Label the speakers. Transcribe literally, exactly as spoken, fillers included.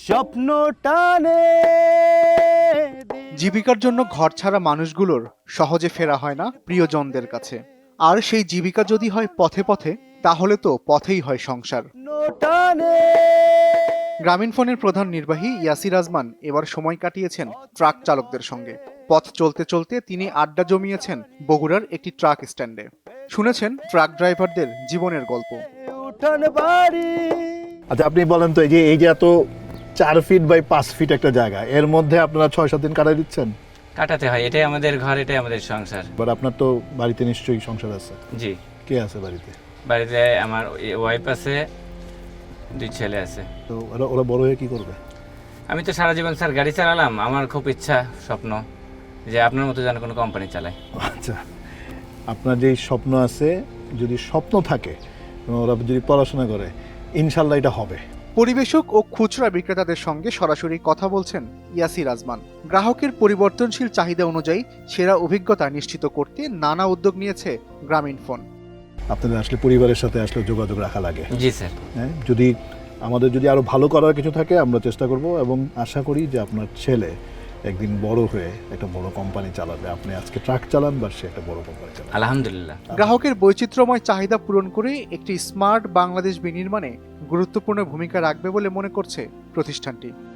Speaker 1: স্বপ্ন টানে।
Speaker 2: জীবিকার জন্য ঘর ছাড়া মানুষগুলোর সহজে ফেরা হয় না প্রিয়জনদের কাছে। আর সেই জীবিকা যদি হয় পথে পথে, তাহলে তো পথেই হয় সংসার।
Speaker 1: টানে।
Speaker 2: গ্রামীণফোনের প্রধান নির্বাহী ইয়াসির আজমান এবার সময় কাটিয়েছেন ট্রাক চালকদের সঙ্গে। পথ চলতে চলতে তিনি আড্ডা জমিয়েছেন বগুড়ার একটি ট্রাক স্ট্যান্ডে। শুনেছেন ট্রাক ড্রাইভারদের জীবনের গল্প।
Speaker 1: উঠান বাড়ি।
Speaker 3: আচ্ছা, আপনি বলেন তো, এই যে এই যে এত চার ফিট বাই পাঁচ ফিট একটা জায়গা, এর মধ্যে আপনারা ছয় সাত দিন কাটাই দিচ্ছেন?
Speaker 4: কাটাতে হয়, এটাই আমাদের ঘর, এটাই আমাদের সংসার।
Speaker 3: বাট আপনার তো বাড়িতে নিশ্চয়ই সংসার আছে।
Speaker 4: জি,
Speaker 3: কে আছে বাড়িতে?
Speaker 4: বাড়িতে আমার ওয়াইফ আছে, দুই ছেলে আছে।
Speaker 3: তো ওরা ওরা বড় হয়ে কি করবে?
Speaker 4: আমি তো সারা জীবন স্যার গাড়ি চালালাম, আমার খুব ইচ্ছা, স্বপ্ন যে আপনার মতো যেন কোনো কোম্পানি চালায়।
Speaker 3: আচ্ছা, আপনার যেই স্বপ্ন আছে, যদি স্বপ্ন থাকে এবং ওরা যদি পড়াশোনা করে, ইনশাল্লাহ এটা হবে।
Speaker 2: পরিবেশক ও খুচরা বিক্রেতাদের সঙ্গে সরাসরি কথা বলছেন ইয়াসির আজমান। গ্রাহকের পরিবর্তনশীল চাহিদা অনুযায়ী সেরা অভিজ্ঞতা নিশ্চিত করতে নানা উদ্যোগ নিয়েছে গ্রামীণফোন।
Speaker 3: আপনাদের আসলে পরিবারের সাথে আসলে যোগাযোগ রাখা লাগে।
Speaker 4: জি স্যার।
Speaker 3: হ্যাঁ, যদি আমাদের যদি আরো ভালো করার কিছু থাকে আমরা চেষ্টা করব, এবং আশা করি যে আপনার ছেলে একদিন বড় হয়ে একটা বড় কোম্পানি চালাবে। আপনি আজকে ট্রাক চালান, বা সে একটা বড় কোম্পানি চালাবে।
Speaker 4: আলহামদুলিল্লাহ।
Speaker 2: গ্রাহকের বৈচিত্র্যময় চাহিদা পূরণ করে একটি স্মার্ট বাংলাদেশ বিনির্মাণে গুরুত্বপূর্ণ ভূমিকা রাখবে বলে মনে করছে প্রতিষ্ঠানটি।